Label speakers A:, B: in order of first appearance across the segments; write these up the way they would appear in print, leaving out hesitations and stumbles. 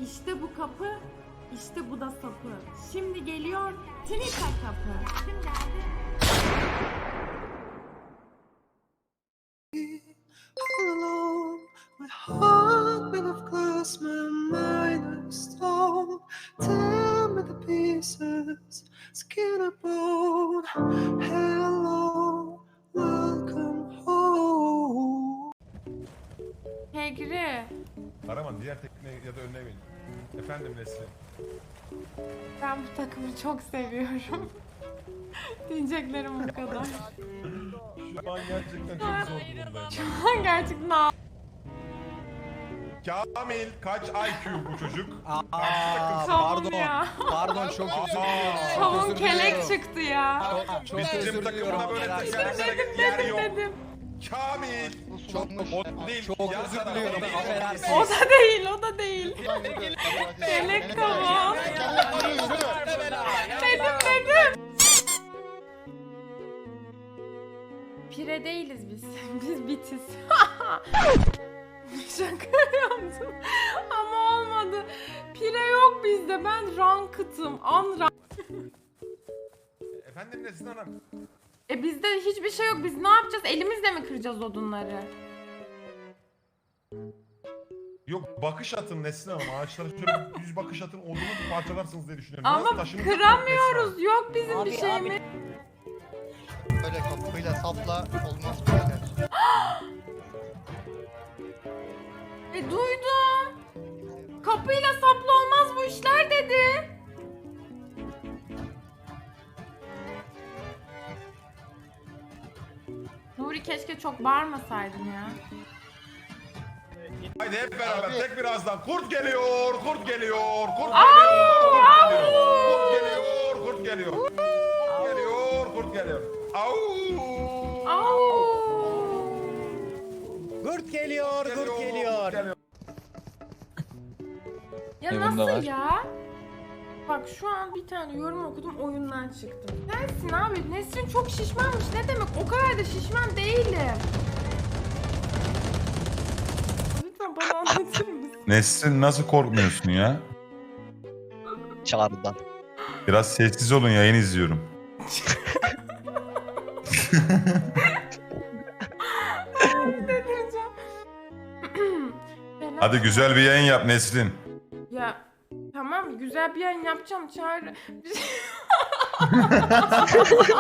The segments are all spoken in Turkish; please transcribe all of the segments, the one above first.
A: İşte bu kapı, işte bu da sapı. Şimdi geliyor Twitter kapı. Kim geldi?
B: All alone, my heart made of glass, my mind of stone. Tear me to pieces, skin and bone. Hello, welcome home.
A: Kegri,
C: Karaman diğer tekne ya da önüne bin. Efendim Nesrin.
A: ben bu takımı çok seviyorum. Diyeceklerim bu kadar.
C: Şu an gerçekten çok zor durumdayım.
A: Şu an gerçekten
C: Kamil kaç IQ bu çocuk?
A: Kavun ya.
D: Pardon çok özür diliyorum.
A: Kavun kelek çıktı ya.
D: Çok
C: Bizim
D: özür
C: takımda
D: diliyorum.
C: böyle
D: Helal
C: tekerlere
D: olsun.
C: yer yok.
A: Dedim.
C: Kamil. O değil.
D: Çok
C: yan
D: özür
C: taraf,
D: diliyorum.
C: o değil.
D: Affedersiniz.
A: O da değil, o da değil. Kelek kavun. Dedim. Pire değiliz biz. Biz bitiz. Şaka yaptım. Ama olmadı. Pire yok bizde. Ben ranked'ım.
C: Efendim Nesrin Hanım.
A: Bizde hiçbir şey yok. Biz ne yapacağız? Elimizle mi kıracağız odunları?
C: Yok bakış atın Nesrin Hanım. Ağaçlara şöyle 100 bakış atın odunu parçalarsınız diye düşünüyorum.
A: Ama
C: Biraz taşınacak
A: kıramıyoruz. Yok bizim bir
E: Abi,
A: şeyimiz.
E: Böyle kapıyla sapla olmaz bu kadar.
A: Duydum. Kapıyla saplı olmaz bu işler dedi. Nuri keşke çok bağırmasaydın ya.
C: Nesrin. Haydi hep beraber tek birazdan. Kurt geliyor, kurt geliyor, kurt
A: Au,
C: geliyor, kurt geliyor, kurt geliyor. Kurt geliyor, kurt geliyor. Au.
A: Au.
D: Kurt geliyor, kurt geliyor.
A: Ya
F: Yanımda
A: nasıl
F: var.
A: ya? Bak şu an bir tane yorum okudum oyundan çıktım. Sensin abi. Nesrin çok şişmanmış. Ne demek? O kadar da şişman değilim. Lütfen bana anlatır mısın?
F: Nesrin nasıl korkmuyorsun ya?
E: Çağrı'dan.
F: Biraz sessiz olun, yayın izliyorum.
A: Delireceğim.
F: Hadi güzel bir yayın yap Nesrin.
A: Ya tamam güzel bir yayın yapacağım Çağrı.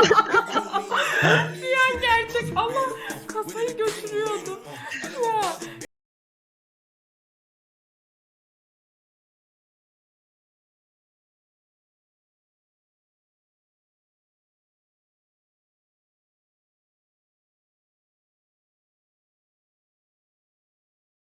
A: Bir an gerçek Allah kasayı götürüyordu. Ya